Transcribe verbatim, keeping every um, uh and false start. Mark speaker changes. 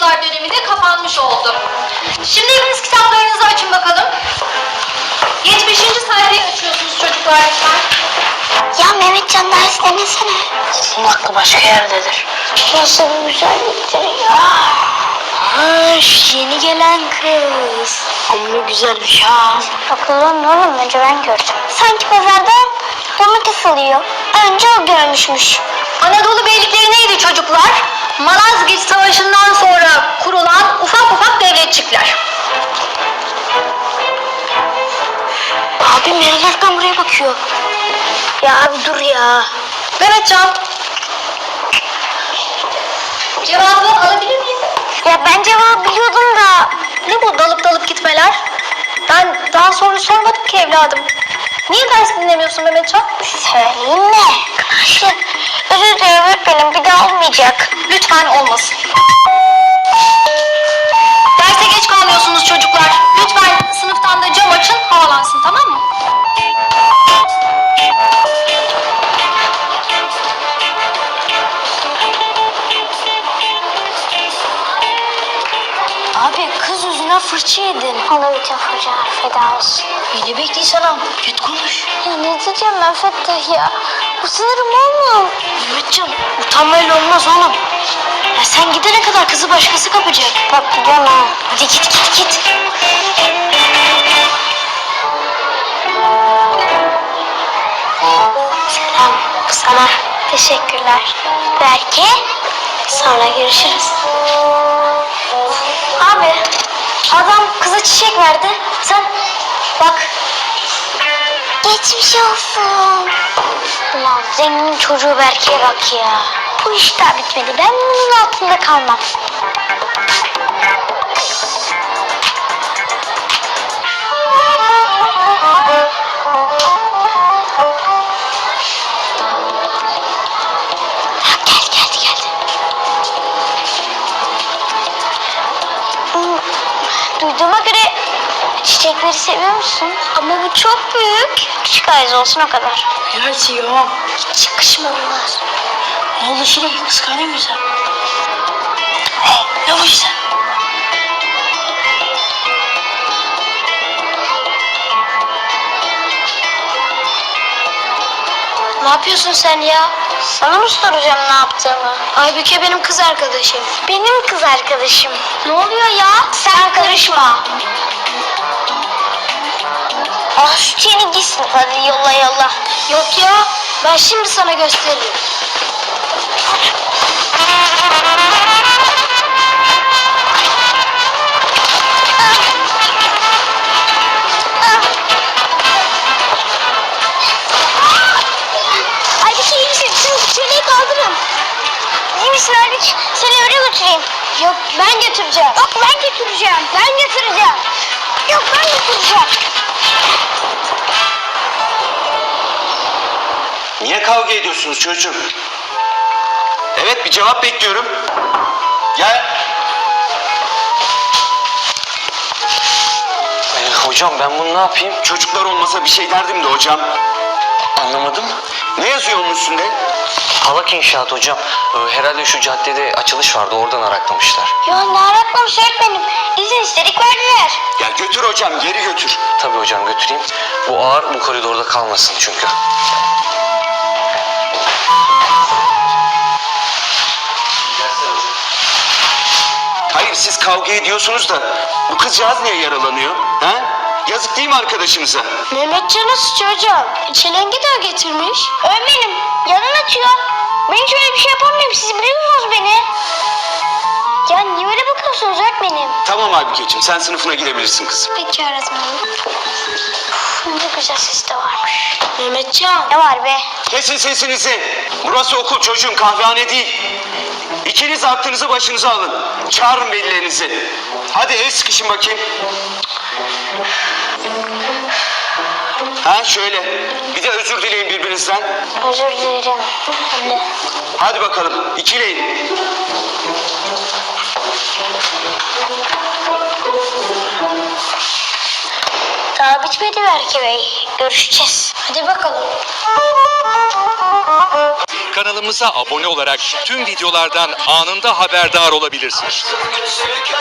Speaker 1: çocuklar dönemi de kapanmış oldu. Şimdi hepiniz kitaplarınızı açın bakalım. yetmişinci sayfayı açıyorsunuz çocuklar lütfen.
Speaker 2: Ya Mehmetcan ders demesene.
Speaker 3: Onun aklı başka yerdedir.
Speaker 2: Nasıl bir güzelliktir ya.
Speaker 3: Ha, şu yeni gelen kız. Amma güzelmiş ha.
Speaker 2: Bakalım ne oğlum, önce ben gördüm. Sanki pazarda domates alıyor. Önce o görmüşmüş.
Speaker 1: Anadolu beylikleri neydi çocuklar? Malazgirt Savaşı'ndan sonra kurulan ufak ufak devletçikler.
Speaker 3: Abi meraktan buraya bakıyor. Ya abi dur ya.
Speaker 1: Mehmetcan. Cevabı alabilir miyim?
Speaker 2: Ya ben cevabı biliyordum da.
Speaker 1: Ne bu dalıp dalıp gitmeler? Ben daha soru sormadım ki evladım. Niye ders dinlemiyorsun Mehmetcan?
Speaker 2: Söyleyeyim mi? Şey, özür dilerim öğretmenim, bir daha olmayacak.
Speaker 1: Lütfen olmasın. Derse geç kalmıyorsunuz çocuklar. Lütfen sınıftan da cam açın, havalansın, tamam mı?
Speaker 3: Abi kız yüzünden fırça yedin.
Speaker 2: Ona bütün fırçalar feda olsun.
Speaker 3: Yine bekleysen abi. Git konuş.
Speaker 2: Ya ne diyeceğim ben Fettah ya? Utanırım oğlum.
Speaker 3: Mehmetcan utanmayla olmaz oğlum. Ya sen gidene kadar kızı başkası kapacak.
Speaker 2: Bak gidiyorum ha.
Speaker 3: Hadi git git git.
Speaker 2: Selam sana. Teşekkürler. Belki sonra görüşürüz. Abi, adam kıza çiçek verdi. Sen bak. Geçmiş olsun. Ulan zengin çocuğu Berke'ye bak ya. Bu iş daha bitmedi. Ben bunun altında kalmam. Ha, geldi geldi geldi. Hmm, Duyduğuma göre çiçekleri seviyor musun? Ama bu çok büyük. Küçük ayız olsun o kadar.
Speaker 3: Helal ya.
Speaker 2: Hiç yakışmadılar.
Speaker 3: Ne oldu şimdi? Kıskanıyor musun sen? Hey, ne bu işte?
Speaker 2: Ne yapıyorsun sen ya? Sana mı soracağım ne yaptığımı?
Speaker 3: Aybüke benim kız arkadaşım.
Speaker 2: Benim kız arkadaşım. Ne oluyor ya? Sen karışma. Ah şu çeni gitsin hadi yolla yolla.
Speaker 3: Yok ya. Ben şimdi sana gösteririm.
Speaker 2: Ay bir şey misin? Şu çeneyi kaldırın. İyi misin Erbiç? Seni öyle götüreyim.
Speaker 3: Yok ben götüreceğim.
Speaker 2: Yok ben götüreceğim. Ben götüreceğim. Yok ben götüreceğim.
Speaker 4: Niye kavga ediyorsunuz çocuğum? Evet, bir cevap bekliyorum. Gel.
Speaker 5: Ee, hocam ben bunu ne yapayım?
Speaker 4: Çocuklar olmasa bir şey derdim de hocam.
Speaker 5: Anlamadım.
Speaker 4: Ne yazıyor onun üstünde?
Speaker 5: Halak inşaat hocam. Ee, herhalde şu caddede açılış vardı, oradan araklamışlar.
Speaker 2: Ya ne araklamış öğretmenim? İzin istedik verdiler.
Speaker 4: Ya götür hocam, geri götür.
Speaker 5: Tabii hocam götüreyim. Bu ağır bu koridorda kalmasın çünkü.
Speaker 4: Hayır, siz kavga ediyorsunuz da bu kızcağız niye yaralanıyor? Ha? Yazık değil mi arkadaşımıza?
Speaker 3: Mehmetcan'a suç hocam. Çelengi de getirmiş.
Speaker 2: Öğretmenim yanın açıyor. Ben hiç öyle bir şey yapamıyorum. Siz biliyorsunuz beni. Ya niye öyle bakıyorsunuz öğretmenim?
Speaker 4: Tamam Aybükeciğim, sen sınıfına gidebilirsin kızım.
Speaker 2: Peki öğretmenim. Uf, ne güzel ses de varmış.
Speaker 3: Mehmetcan.
Speaker 2: Ne var be?
Speaker 4: Kesin sesinizi. Burası okul çocuğum, kahvehane değil. İkiniz aklınızı başınıza alın. Çağırın velilerinizi. Hadi el sıkışın bakayım. Ha şöyle. Bir de özür dileyin birbirinizden.
Speaker 2: Özür dilerim. Anne.
Speaker 4: Hadi bakalım, ikileyin.
Speaker 2: Daha bitmedi Berke Bey. Görüşeceğiz.
Speaker 3: Hadi bakalım.
Speaker 6: Kanalımıza abone olarak tüm videolardan anında haberdar olabilirsiniz.